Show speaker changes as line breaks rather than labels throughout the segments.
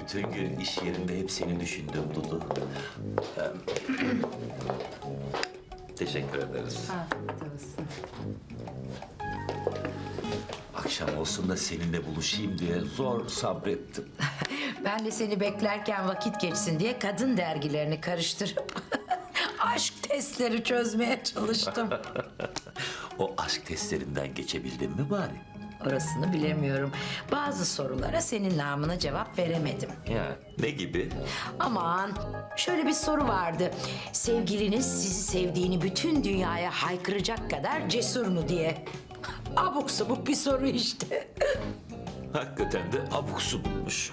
bütün gün iş yerinde hep seni düşündüm Dudu. Teşekkür ederiz.
Afiyet olsun.
Akşam olsun da seninle buluşayım diye zor sabrettim.
Ben de seni beklerken vakit geçsin diye kadın dergilerini karıştırıp aşk testleri çözmeye çalıştım.
O aşk testlerinden geçebildin mi bari?
Orasını bilemiyorum. Bazı sorulara senin namına cevap veremedim.
Ya ne gibi?
Aman, şöyle bir soru vardı. Sevgiliniz sizi sevdiğini bütün dünyaya haykıracak kadar cesur mu diye. Abuk sabuk bir soru işte.
Hakikaten de abuk subukmuş.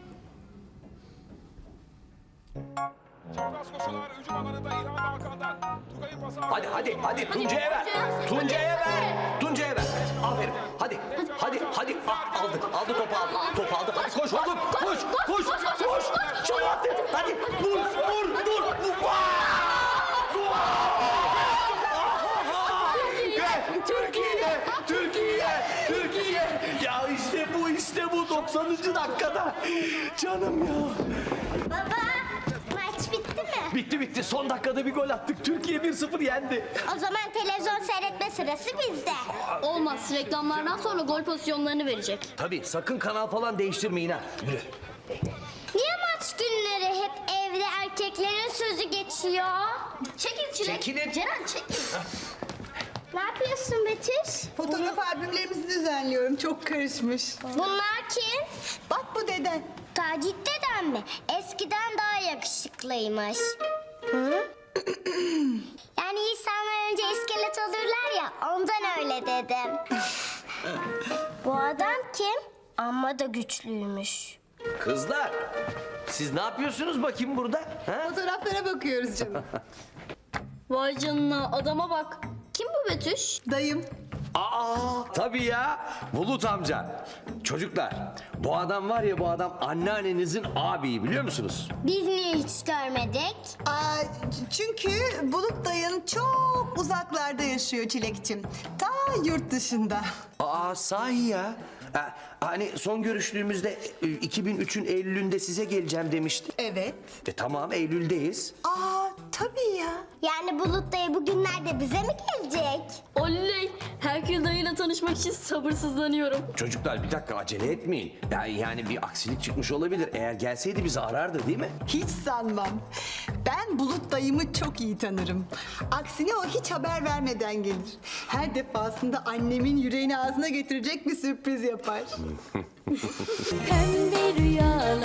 Çapraz koşular hücum alanında İlhan Hakan'dan. Tugay'ın pası.
Hadi Tuncay'a ver. Tuncay'a ver. Tuncay'a ver. Aferin. Hadi. Ah, aldı topu aldı. Topu aldı. Hadi koş oğlum. Koş. Çalı attı. Hadi vur. Türkiye. Ya işte bu 90. dakikada. Canım ya.
Baba, maç bitti mi?
Bitti. Son dakikada bir gol attık. Türkiye 1-0 yendi.
O zaman televizyon seyretme sırası bizde.
Olmaz. Reklamlardan sonra gol pozisyonlarını verecek.
Tabii sakın kanal falan değiştirmeyin ha. Yürü.
Niye maç günleri hep evde erkeklerin sözü geçiyor?
Çekil Çilek.
Çekilin.
Ceren çekil.
Ne yapıyorsun Betüş?
Fotoğraf albümlerimizi düzenliyorum. Çok karışmış.
Bunlar kim?
Bak bu deden.
Tacit dedem mi? Eskiden daha yakışıklıymış. Hı? Yani insanlar önce iskelet olurlar ya, ondan öyle dedim. Bu adam kim? Amma da güçlüymüş.
Kızlar, siz ne yapıyorsunuz bakayım burada? Ha?
Fotoğraflara bakıyoruz canım.
Vay canına adama bak. Kim bu Betüş?
Dayım.
Tabii ya, Bulut amca. Çocuklar, bu adam var ya bu adam anneannenizin abiyi biliyor musunuz?
Biz niye hiç görmedik?
Çünkü Bulut dayın çok uzaklarda yaşıyor Çilekçim. Ta yurt dışında.
Sahi ya. Hani son görüştüğümüzde 2003'ün Eylül'ünde size geleceğim demişti.
Evet.
Tamam, Eylül'deyiz.
Tabii ya.
Yani Bulut dayı bugünlerde bize mi gelecek?
Oley. Herkül dayıyla tanışmak için sabırsızlanıyorum.
Çocuklar bir dakika acele etmeyin. Yani bir aksilik çıkmış olabilir. Eğer gelseydi bizi arardı değil mi?
Hiç sanmam. Ben Bulut dayımı çok iyi tanırım. Aksine o hiç haber vermeden gelir. Her defasında annemin yüreğini ağzına getirecek bir sürpriz yapar.
Pembe rüyalar